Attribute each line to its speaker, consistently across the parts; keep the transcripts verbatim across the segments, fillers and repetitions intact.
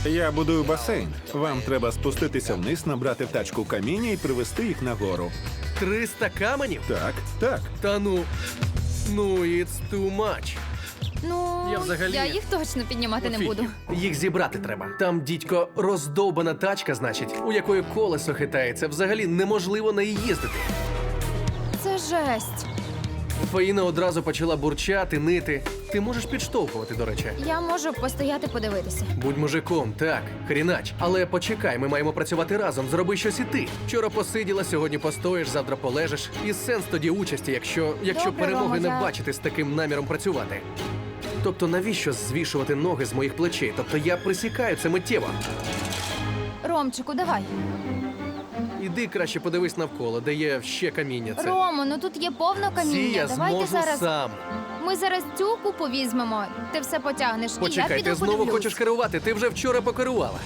Speaker 1: Я будую басейн. Вам треба спуститися вниз, набрати в тачку каміння і привезти їх нагору.
Speaker 2: Триста каменів?
Speaker 1: Так, так.
Speaker 2: Та ну. Ну, it's too much.
Speaker 3: Ну,
Speaker 2: Я взагалі-
Speaker 3: я їх точно піднімати не буду.
Speaker 2: Їх зібрати треба. Там, дідько, роздовбана тачка, значить, у якої колесо хитається. Взагалі неможливо на її їздити.
Speaker 3: Це жесть.
Speaker 2: Фаїна одразу почала бурчати, нити. Ти можеш підштовхувати, до речі.
Speaker 3: Я можу постояти подивитися.
Speaker 2: Будь мужиком, так, хрінач. Але почекай, ми маємо працювати разом. Зроби щось і ти. Вчора посиділа, сьогодні постоїш, завтра полежиш. І сенс тоді участі, якщо, якщо
Speaker 3: Добре,
Speaker 2: перемоги
Speaker 3: Рома,
Speaker 2: не
Speaker 3: я-
Speaker 2: бачити з таким наміром працювати. Тобто навіщо звішувати ноги з моїх плечей? Тобто я присікаю це миттєво.
Speaker 3: Ромчику, давай.
Speaker 2: Іди краще подивись навколо, де є ще каміння. Це
Speaker 3: Ромо, ну тут є повно
Speaker 2: Ці
Speaker 3: каміння.
Speaker 2: я
Speaker 3: Давайте
Speaker 2: зможу
Speaker 3: зараз.
Speaker 2: сам.
Speaker 3: Ми зараз цю купу візьмемо. Ти все потягнеш. і я
Speaker 2: Почекай,
Speaker 3: піду
Speaker 2: ти знову
Speaker 3: подивлюсь.
Speaker 2: хочеш керувати? Ти вже вчора покерувала.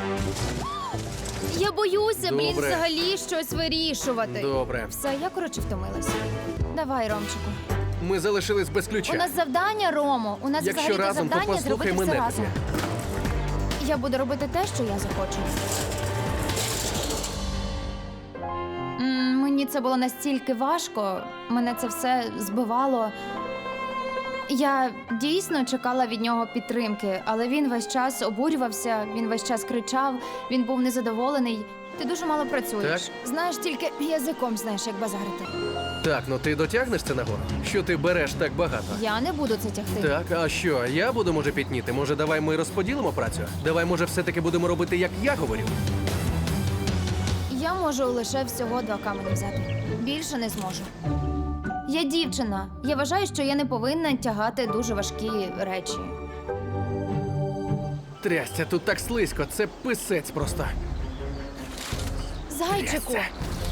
Speaker 3: Я боюся, блін,
Speaker 2: Добре.
Speaker 3: взагалі щось вирішувати.
Speaker 2: Добре.
Speaker 3: Все, я коротше втомилася. Давай, Ромчику.
Speaker 2: Ми залишились без ключа.
Speaker 3: У нас завдання, Ромо. У нас
Speaker 2: Якщо
Speaker 3: взагалі
Speaker 2: разом, то
Speaker 3: завдання
Speaker 2: послухай
Speaker 3: зробити
Speaker 2: мене
Speaker 3: все разом.
Speaker 2: тоді.
Speaker 3: Я буду робити те, що я захочу. М, Мені це було настільки важко, мене це все збивало. Я дійсно чекала від нього підтримки, але він весь час обурювався, він весь час кричав, він був незадоволений. Ти дуже мало працюєш.
Speaker 2: Так.
Speaker 3: Знаєш, тільки язиком знаєш, як базарити.
Speaker 2: Так, ну ти дотягнеш це нагору? Що ти береш так багато?
Speaker 3: Я не буду це тягти.
Speaker 2: Так, а що, я буду, може, пітніти? Може, давай ми розподілимо працю? Давай, може, все-таки будемо робити, як я говорю?
Speaker 3: Я можу лише всього два камені взяти. Більше не зможу. Я дівчина. Я вважаю, що я не повинна тягати дуже важкі речі.
Speaker 2: Трясся, тут так слизько, це писець просто.
Speaker 3: Зайчику!
Speaker 2: Трясся.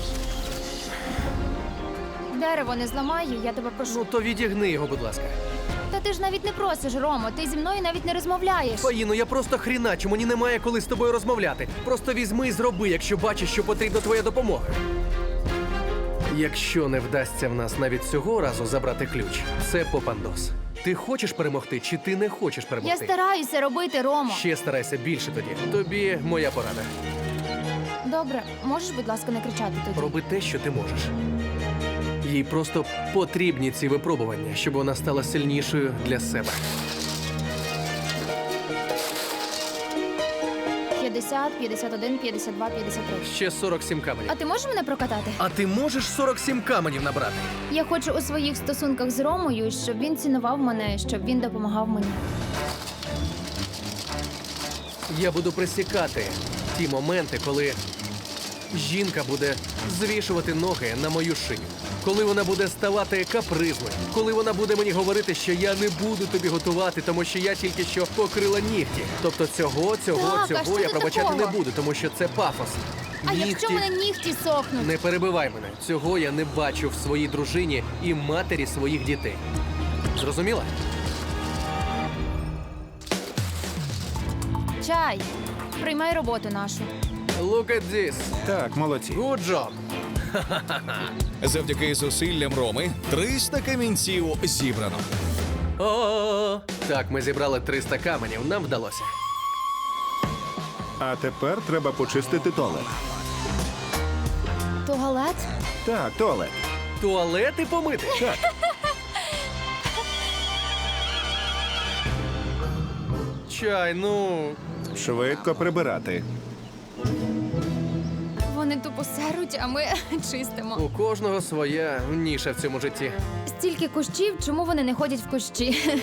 Speaker 3: Дерево не зламаю, я тебе прошу.
Speaker 2: Ну то відігни його, будь ласка.
Speaker 3: Та ти ж навіть не просиш, Ромо, ти зі мною навіть не розмовляєш.
Speaker 2: Фаїно, я просто хріначу, мені немає коли з тобою розмовляти. Просто візьми і зроби, якщо бачиш, що потрібна твоя допомога. Якщо не вдасться в нас навіть цього разу забрати ключ, це попандос. Ти хочеш перемогти, чи ти не хочеш
Speaker 3: Я
Speaker 2: перемогти?
Speaker 3: стараюся робити, Ромо.
Speaker 2: Ще старайся більше тоді. Тобі моя порада.
Speaker 3: Добре, можеш, будь ласка, не кричати тоді?
Speaker 2: Роби те, що ти можеш. Їй просто потрібні ці випробування, щоб вона стала сильнішою для себе.
Speaker 3: п'ятдесят, п'ятдесят один, п'ятдесят два, п'ятдесят три.
Speaker 2: Ще сорок сім каменів.
Speaker 3: А ти можеш мене прокатати?
Speaker 2: А ти можеш сорок сім каменів набрати?
Speaker 3: Я хочу у своїх стосунках з Ромою, щоб він цінував мене, щоб він допомагав мені.
Speaker 2: Я буду присікати ті моменти, коли жінка буде звішувати ноги на мою шию. Коли вона буде ставати капризною. Коли вона буде мені говорити, що я не буду тобі готувати, тому що я тільки що покрила нігті. Тобто цього, цього,
Speaker 3: Так, а
Speaker 2: цього
Speaker 3: що
Speaker 2: я
Speaker 3: тут
Speaker 2: пробачати
Speaker 3: такого?
Speaker 2: не буду, тому що це пафос.
Speaker 3: А якщо мене нігті сохнуть?
Speaker 2: Не перебивай мене. Цього я не бачу в своїй дружині і матері своїх дітей. Зрозуміла?
Speaker 3: Чай, приймай роботу нашу.
Speaker 2: Look at this.
Speaker 1: Так, молодці.
Speaker 2: Good job.
Speaker 4: Завдяки зусиллям Роми триста камінців зібрано.
Speaker 2: О, так, ми зібрали триста каменів. Нам вдалося.
Speaker 1: А тепер треба почистити туалет.
Speaker 3: Туалет?
Speaker 1: Так, туалет.
Speaker 2: Туалети помити?
Speaker 1: Так.
Speaker 2: Чай, ну.
Speaker 1: Швидко прибирати.
Speaker 3: Вони тупо серуть, а ми чистимо.
Speaker 2: У кожного своя ніша в цьому житті.
Speaker 3: Стільки кущів, чому вони не ходять в кущі?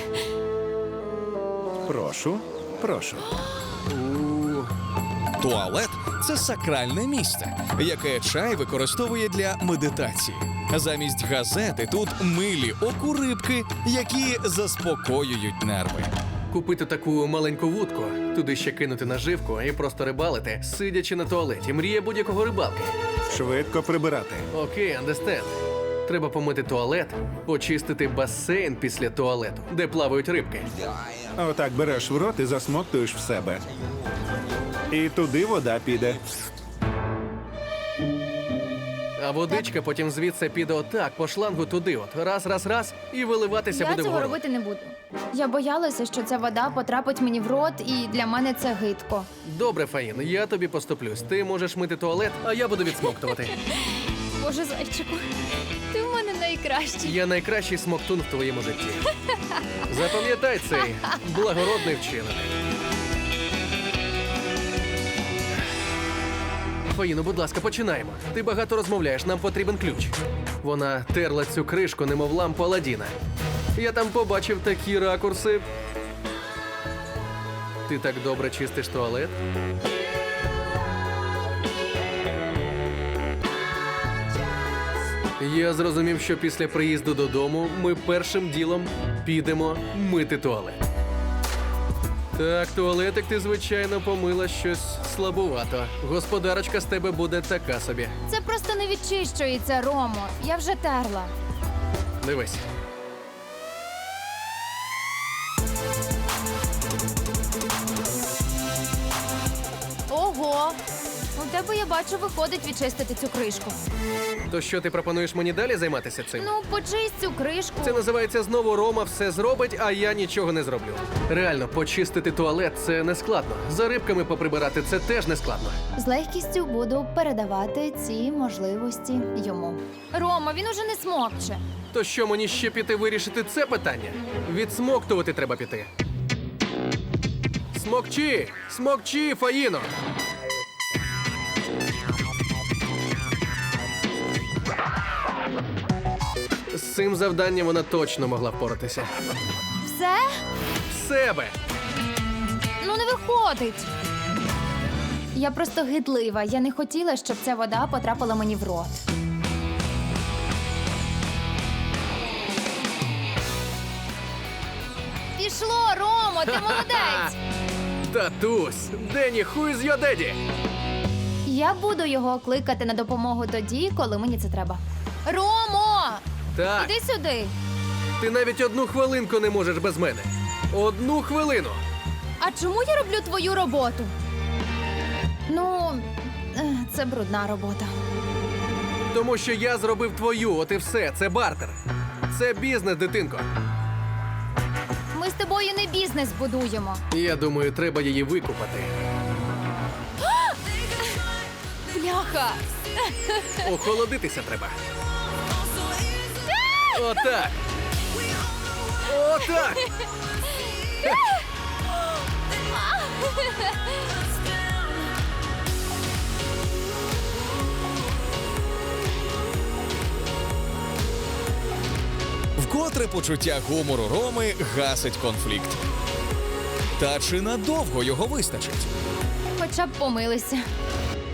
Speaker 1: Прошу, прошу.
Speaker 2: У,
Speaker 4: Туалет це сакральне місце, яке чай використовує для медитації. Замість газети тут милі окурибки, які заспокоюють нерви.
Speaker 2: Купити таку маленьку вудку, туди ще кинути наживку і просто рибалити, сидячи на туалеті. Мрія будь-якого рибалки.
Speaker 1: Швидко прибирати.
Speaker 2: Окей, understand. Треба помити туалет, почистити басейн після туалету, де плавають рибки.
Speaker 1: Отак береш в рот і засмоктуєш в себе. І туди вода піде.
Speaker 2: А водичка потім звідси піде отак, по шлангу туди от. Раз, раз, раз, і виливатися
Speaker 3: Я
Speaker 2: буде
Speaker 3: цього
Speaker 2: вгору.
Speaker 3: робити не буду. Я боялася, що ця вода потрапить мені в рот, і для мене це гидко.
Speaker 2: Добре, Фаїн, я тобі поступлюсь. Ти можеш мити туалет, а я буду відсмоктувати.
Speaker 3: Боже, зайчику, ти в мене найкращий.
Speaker 2: Я найкращий смоктун в твоєму житті. Запам'ятай цей благородний вчинок. Фаїно, будь ласка, починаємо. Ти багато розмовляєш, нам потрібен ключ. Вона терла цю кришку, немов лампу Аладдіна. Я там побачив такі ракурси. Ти так добре чистиш туалет? Я зрозумів, що після приїзду додому ми першим ділом підемо мити туалет. Так, туалетик ти, звичайно, помила щось слабувато. Господарочка з тебе буде така собі.
Speaker 3: Це просто не відчищується, Ромо. Я вже терла.
Speaker 2: Дивись.
Speaker 3: Ого! У тебе, я бачу, виходить відчистити цю кришку.
Speaker 2: То що, ти пропонуєш мені далі займатися цим?
Speaker 3: Ну, почисть цю кришку.
Speaker 2: Це називається знову Рома все зробить, а я нічого не зроблю. Реально, почистити туалет – це не складно. За рибками поприбирати – це теж не складно.
Speaker 3: З легкістю буду передавати ці можливості йому. Рома, він уже не смокче.
Speaker 2: То що, мені ще піти вирішити це питання? Відсмоктувати треба піти. Смокчи! Смокчи, Фаїно! З цим завданням вона точно могла впоратися.
Speaker 3: Все?
Speaker 2: В себе!
Speaker 3: Ну не виходить. Я просто гидлива. Я не хотіла, щоб ця вода потрапила мені в рот. Пішло, Ромо, ти молодець.
Speaker 2: Татусь! Дені, who is your daddy?
Speaker 3: Я буду його кликати на допомогу тоді, коли мені це треба. Ромо!
Speaker 2: Так,
Speaker 3: Іди сюди.
Speaker 2: ти навіть одну хвилинку не можеш без мене. Одну хвилину!
Speaker 3: А чому я роблю твою роботу? Ну, е, це брудна робота.
Speaker 2: Тому що я зробив твою, от і все. Це бартер. Це бізнес, дитинко.
Speaker 3: Ми з тобою не бізнес будуємо.
Speaker 2: Я думаю, треба її викупати.
Speaker 3: Бляха!
Speaker 2: Охолодитися треба. Отак. Отак.
Speaker 4: Вкотре почуття гумору Роми гасить конфлікт. Та чи надовго його вистачить?
Speaker 3: Хоча б помилися.